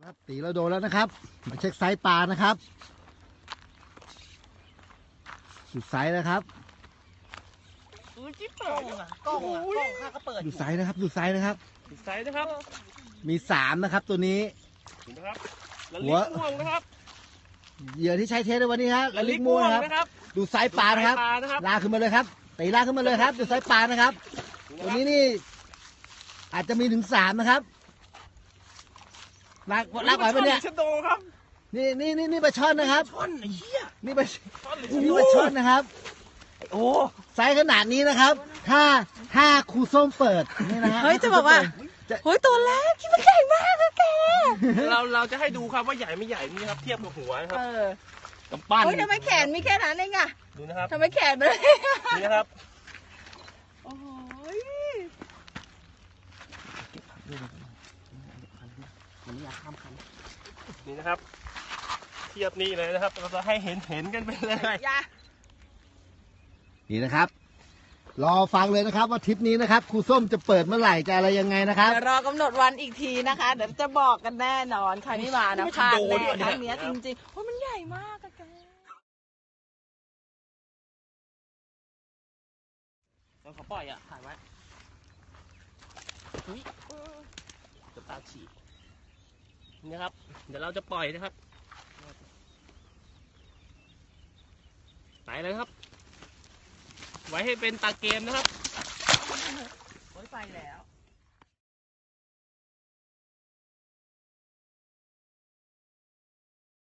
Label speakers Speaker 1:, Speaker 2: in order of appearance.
Speaker 1: ครับตีเราโดนแล้วนะครับมาเช็คไซส์ปลานะครับดูไซส์นะครับ
Speaker 2: จิ๊บเปิดกล้องข้าก็เปิด
Speaker 1: ดูไซส์นะครับดูไซส์นะครับ
Speaker 2: ไซส์นะครับ
Speaker 1: มี3นะครับตัวนี้
Speaker 2: นะครับละลิกม่วงนะครับ
Speaker 1: เหยื่อที่ใช้เทสในวันนี้ครับละลิกม่วงนะครับดูไซส์ปลานะครับลากขึ้นมาเลยครับตีลากขึ้นมาเลยครับดูไซส์ปลานะครับตัวนี้นี่อาจจะมีถึง3นะครับลากไหวปะเนี่ย
Speaker 2: ชะโดครับ
Speaker 1: นี่ปลาช่อนนะครับ
Speaker 2: ช่อนไอ้เหี้ย
Speaker 1: นี่ปลาช่อนนะครับโอ้ไซส์ขนาดนี้นะครับถ้าครูส้มเปิดนี่นะฮะ
Speaker 3: เฮ้ยจะบอกว่าเฮ้ยตัวแรกที่มันใหญ่มากเลยแก
Speaker 2: เราจะให้ดูครับว่าใหญ่ไม่ใหญ่นี่ครับเทียบกับหัวนะครับ
Speaker 3: กำปั้นเฮ้ยทำไมแขนมีแค่นั้นเองอะ
Speaker 2: ดูนะครับ
Speaker 3: ทำไมแขนมัน
Speaker 2: นี่นะครับ
Speaker 3: โอ้ย
Speaker 2: นี่นะครับ เทียบนี่เลยนะครับเราจะให้เห็นกันไปเลย
Speaker 1: นี่นะครับรอฟังเลยนะครับว่าทริปนี้นะครับครูส้มจะเปิดเมื่อไหร่จะอะไรยังไงนะครับ
Speaker 3: เดี๋ยวรอกำหนดวันอีกทีนะคะเดี๋ยวจะบอกกันแน่นอนใครไม่มานะพลาดแน่ครั้งนี้จริงๆเพราะมันใหญ่มากอะแก
Speaker 2: เราขอปล่อยอ่ะถ่ายไว้เฮ้ยจะตาฉีกนี่ครับเดี๋ยวเราจะปล่อยนะครับไปเลยครับไว้ให้เป็นตาเกมนะครับ
Speaker 3: โอ้ยไปแล้ว